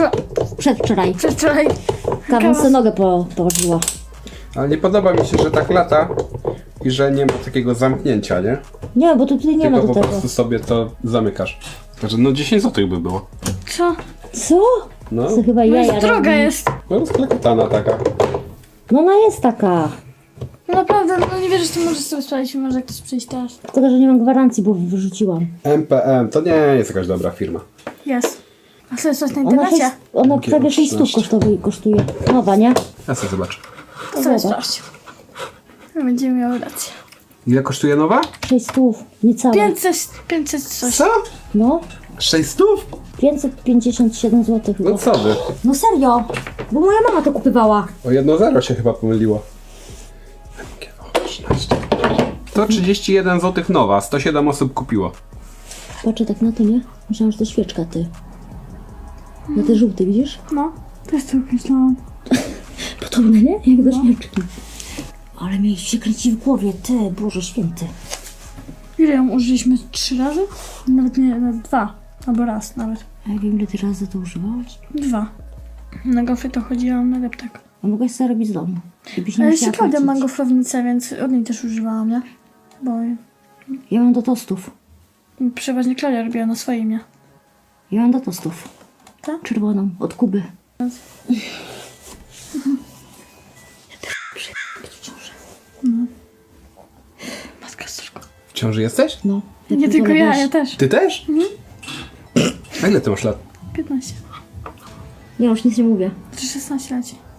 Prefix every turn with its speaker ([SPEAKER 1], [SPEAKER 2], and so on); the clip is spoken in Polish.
[SPEAKER 1] Przedwczoraj.
[SPEAKER 2] Przedwczoraj.
[SPEAKER 1] Kawa sobie nogę położyła.
[SPEAKER 3] Ale nie podoba mi się, że tak lata i że nie ma takiego zamknięcia, nie?
[SPEAKER 1] Nie, bo tu tutaj nie ma
[SPEAKER 3] Tylko
[SPEAKER 1] do
[SPEAKER 3] po
[SPEAKER 1] tego.
[SPEAKER 3] prostu sobie to zamykasz. Także no 10 zł by było.
[SPEAKER 2] Co?
[SPEAKER 1] Co?
[SPEAKER 3] No,
[SPEAKER 1] To chyba
[SPEAKER 2] No
[SPEAKER 1] jaja
[SPEAKER 2] jest droga
[SPEAKER 1] robi.
[SPEAKER 2] jest.
[SPEAKER 3] no rozklekotana taka.
[SPEAKER 1] No ona jest taka.
[SPEAKER 2] No naprawdę, no nie wierzę, że ty możesz sobie sprawdzić, może ktoś przyjść teraz.
[SPEAKER 1] Tylko, że nie mam gwarancji, bo wyrzuciłam.
[SPEAKER 3] MPM to nie jest jakaś dobra firma.
[SPEAKER 2] Jest. A co jest coś na
[SPEAKER 1] Ona,
[SPEAKER 2] internecie?
[SPEAKER 1] ona
[SPEAKER 3] Takie
[SPEAKER 1] prawie 6 stóp
[SPEAKER 3] 13.
[SPEAKER 1] kosztuje. Nowa, nie?
[SPEAKER 3] Ja sobie zobaczę.
[SPEAKER 2] To sobie
[SPEAKER 1] Zobacz.
[SPEAKER 2] sprawdź. No, będziemy miały rację.
[SPEAKER 3] Ile kosztuje nowa?
[SPEAKER 1] 6 stów, niecałe.
[SPEAKER 2] 500 coś.
[SPEAKER 3] Co?
[SPEAKER 1] No,
[SPEAKER 3] 600?
[SPEAKER 1] 557 zł chyba.
[SPEAKER 3] No co wy?
[SPEAKER 1] No serio, bo moja mama to kupywała.
[SPEAKER 3] O 1,0 się chyba pomyliło. O, 13. 131 zł nowa, 107 osób kupiło.
[SPEAKER 1] Patrzę tak na to, nie? Myślałam, że to świeczka, ty. Na te żółte, widzisz?
[SPEAKER 2] No, też to myślałam.
[SPEAKER 1] Podobne, nie? Jak do świeczki. Ale mi się kręci w głowie, ty, Boże Święty.
[SPEAKER 2] Ile ją użyliśmy? 3 razy? Nawet nie, nawet 2. Albo raz nawet.
[SPEAKER 1] A ja wiem, ile ty razy to używałaś.
[SPEAKER 2] 2. Na gofry to chodziłam na deptak.
[SPEAKER 1] A mogłaś sobie robić z domu. Gdybyś nie
[SPEAKER 2] Ale
[SPEAKER 1] musiała
[SPEAKER 2] jeszcze Klaudia ma
[SPEAKER 1] płacić.
[SPEAKER 2] gofrownicę, więc od niej też używałam, nie? Bo
[SPEAKER 1] Ja mam do tostów.
[SPEAKER 2] przeważnie Klaudia robiła na swoim, nie?
[SPEAKER 1] Ja mam do tostów.
[SPEAKER 2] Tak?
[SPEAKER 1] Czerwoną, od Kuby.
[SPEAKER 2] Matka z córką.
[SPEAKER 3] W ciąży jesteś?
[SPEAKER 1] No.
[SPEAKER 2] Nie tylko ja, ja też.
[SPEAKER 3] Ty też? A ile ty masz lat?
[SPEAKER 2] 15.
[SPEAKER 1] Ja już nic nie mówię.
[SPEAKER 2] Czy 16 leci.